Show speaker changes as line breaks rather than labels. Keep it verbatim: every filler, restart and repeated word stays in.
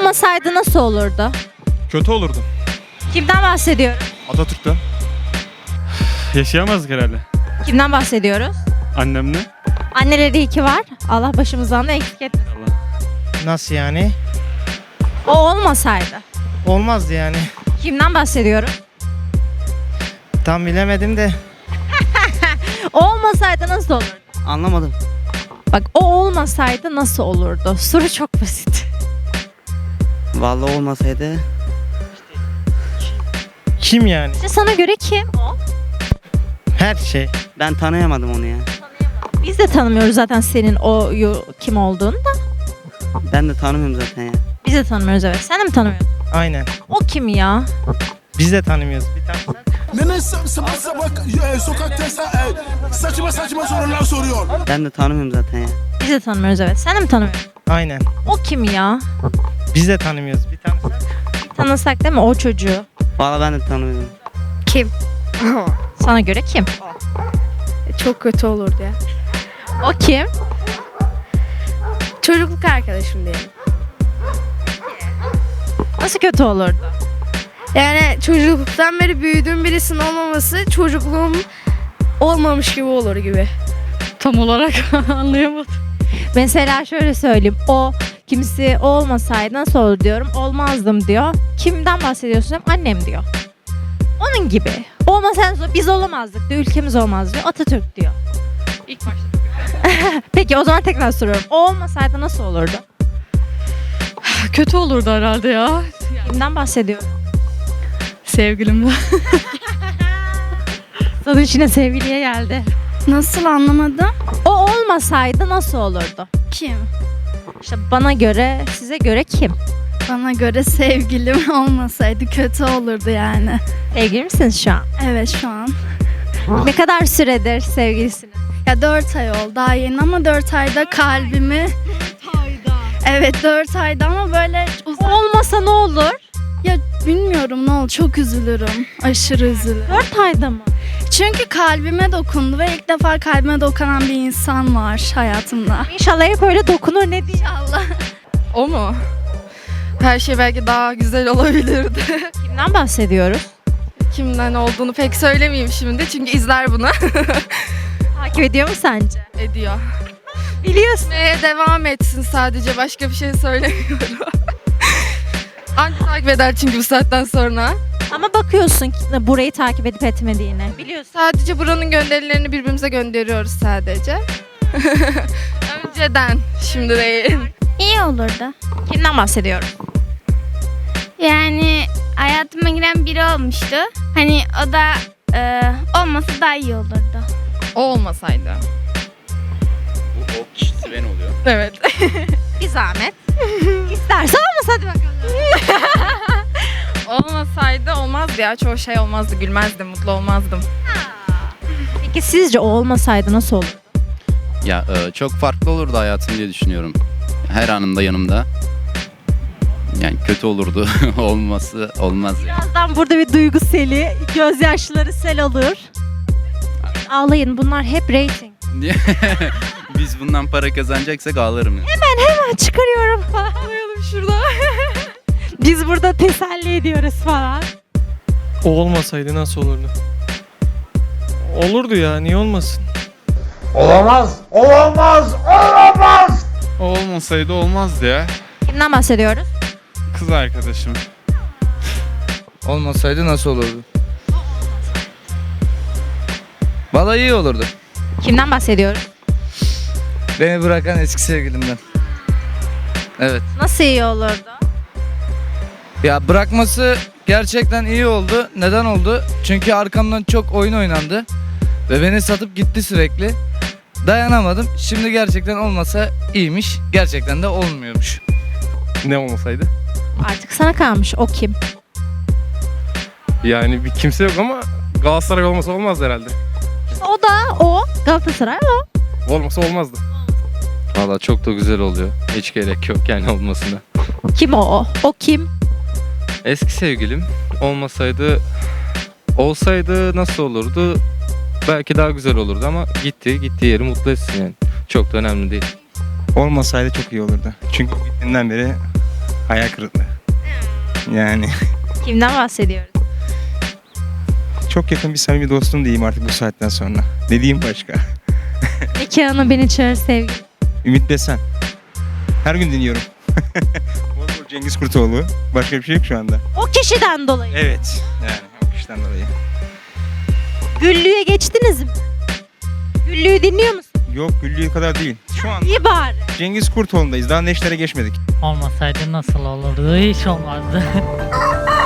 olmasaydı nasıl olurdu?
Kötü olurdu.
Kimden bahsediyorum?
Atatürk'ten. Yaşayamazdık herhalde.
Kimden bahsediyoruz?
Annemle.
Anneleri iyi ki var. Allah başımızdan da eksik etmesin.
Nasıl yani?
O olmasaydı.
Olmazdı yani.
Kimden bahsediyorum?
Tam bilemedim de.
O olmasaydı nasıl olurdu?
Anlamadım.
Bak o olmasaydı nasıl olurdu? Soru çok basit.
Vallahi olmasaydı
Kim yani?
İşte sana göre kim o?
Her şey.
ben tanıyamadım onu ya.
Biz de tanımıyoruz zaten senin o yo- kim olduğunu da.
Ben de tanımıyorum zaten ya.
Biz de tanımıyoruz evet. Sen de mi tanımıyorsun?
Aynen.
O kim ya?
Biz de tanımıyoruz. Bir tane
Nene sabah sabah e, sokaktaysa e, saçma saçma sorular soruyor.
Ben de tanımıyorum zaten ya.
Biz de tanımıyoruz evet. Sen de mi tanımıyorsun?
Aynen.
O kim ya?
Biz de tanımıyoruz. Bir tane
Tanısak değil mi o çocuğu?
Vallahi ben de tanımıyorum.
Kim?
Sana göre kim?
Çok kötü olurdu ya.
O kim?
Çocukluk arkadaşım diyelim.
Nasıl kötü olurdu?
Yani çocukluktan beri büyüdüğüm birisinin olmaması çocukluğum olmamış gibi olur gibi.
Tam olarak anlayamadım. Mesela şöyle söyleyeyim. O kimisi o olmasaydı nasıl olur diyorum. Olmazdım diyor. Kimden bahsediyorsun? Annem diyor. Onun gibi. Olmasaydı biz olamazdık diyor. Ülkemiz olmaz diyor. Atatürk diyor. İlk başta. Peki o zaman tekrar soruyorum. O olmasaydı nasıl olurdu?
Kötü olurdu herhalde ya.
Kimden bahsediyorum?
Sevgilimden.
Sana içine sevgiliye geldi.
Nasıl anlamadım?
O olmasaydı nasıl olurdu?
Kim?
İşte bana göre, size göre kim?
Bana göre sevgilim olmasaydı kötü olurdu yani.
Sevgili misiniz şu an?
Evet şu an.
Ne kadar süredir sevgilisiniz?
Ya dört ay oldu daha yeni ama dört ayda kalbimi... Evet dört ayda ama böyle uzak...
Olmasa ne olur?
Ya bilmiyorum ne oldu çok üzülürüm. Aşırı üzülürüm.
Dört ayda mı?
Çünkü kalbime dokundu ve ilk defa kalbime dokunan bir insan var hayatımda.
İnşallah hep öyle dokunur ne diyeyim.
Allah.
O mu? Her şey belki daha güzel olabilirdi.
Kimden bahsediyoruz?
Kimden olduğunu pek söylemeyeyim şimdi çünkü izler bunu.
Takip ediyor mu sence?
Ediyor.
Biliyorsun.
Ve devam etsin sadece başka bir şey söylemiyorum. Anca takip eder çünkü bu saatten sonra.
Ama bakıyorsun ki burayı takip edip etmediğine. Biliyorsun.
Sadece buranın gönderilerini birbirimize gönderiyoruz sadece. Önceden, şimdi değil.
İyi olurdu.
Kimden bahsediyorum?
Yani hayatıma giren biri olmuştu. Hani o da e, olmasa daha iyi olurdu.
O olmasaydı.
Bu o kişisi ben oluyor.
Evet.
Bir zahmet. İsterse olmasa hadi bakalım.
Olmasaydı olmazdı ya. Çoğu şey olmazdı. Gülmezdim, mutlu olmazdım.
Peki sizce o olmasaydı nasıl olur?
Ya e, çok farklı olurdu hayatım diye düşünüyorum. Her anında yanımda. Yani kötü olurdu. Olması olmaz ya.
Birazdan burada bir duygu seli, gözyaşları sel olur. Ağlayın bunlar hep rating.
Niye? Biz bundan para kazanacaksak ağlarım ya.
Hemen çıkarıyorum falan.
Koyalım şurada.
Biz burada teselli ediyoruz falan.
O olmasaydı nasıl olurdu? Olurdu ya, niye olmasın?
Olamaz, olamaz, olamaz.
O olmasaydı olmazdı ya.
Kimden bahsediyoruz?
Kız arkadaşım.
Olmasaydı nasıl olurdu? Vallahi iyi olurdu.
Kimden bahsediyoruz?
Beni bırakan eski sevgilimden. Evet.
Nasıl iyi olurdu?
Ya bırakması gerçekten iyi oldu. Neden oldu? Çünkü arkamdan çok oyun oynandı. Ve beni satıp gitti sürekli. Dayanamadım. Şimdi gerçekten olmasa iyiymiş. Gerçekten de olmuyormuş.
Ne olmasaydı?
Artık sana kalmış. O kim?
Yani bir kimse yok ama Galatasaray olmasa olmaz herhalde.
O da o. Galatasaray o.
Olmasa olmazdı.
Valla çok da güzel oluyor. Hiç gerek yok yani olmasına.
Kim o o? O kim?
Eski sevgilim olmasaydı, olsaydı nasıl olurdu? Belki daha güzel olurdu ama gitti, gittiği yeri mutlu etsin yani. Çok da önemli değil.
olmasaydı çok iyi olurdu. Çünkü gittiğinden beri Hayal kırıklığı. Yani
Kimden bahsediyoruz?
çok yakın bir samimi dostum diyeyim artık bu saatten sonra. Ne diyeyim başka?
Nikahına beni çağır sevgilim.
Ümit Desen. Her gün dinliyorum. Bol bol Cengiz Kurtoğlu. Başka bir şey yok şu anda.
O kişiden dolayı.
Evet. Yani o kişiden dolayı.
Güllü'ye geçtiniz mi? Güllü'yü dinliyor musun?
Yok Güllü'ye kadar değil. Şu an
İyi bari.
Cengiz Kurtoğlu'ndayız. Daha Neşter'e geçmedik.
Olmasaydı nasıl olurdu? Hiç olmazdı.